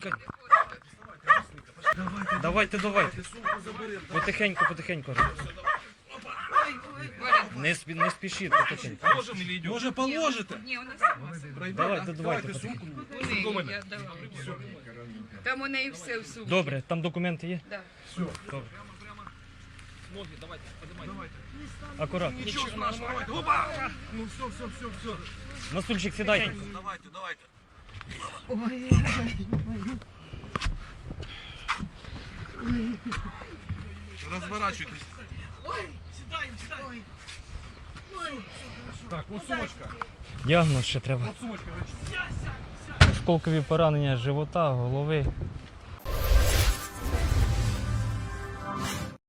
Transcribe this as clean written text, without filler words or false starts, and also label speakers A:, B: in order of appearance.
A: чекайте. Давайте. Потихеньку. Не спішіть, потихеньку.
B: Може положите?
C: Ні, у нас
A: Давайте.
B: сумку.
C: у неї, я давала. Там у неї все в сумці.
A: Добре, там документи є?
C: Да.
A: Добре. Акуратно.
B: Нічого страшного. Опа! Ну все.
A: На стульчик сідайте.
B: Давайте. Розворачуйтесь. Так, от сумочка.
A: Діагноз ще треба.
B: Сумочка.
A: Осколкові поранення живота, голови.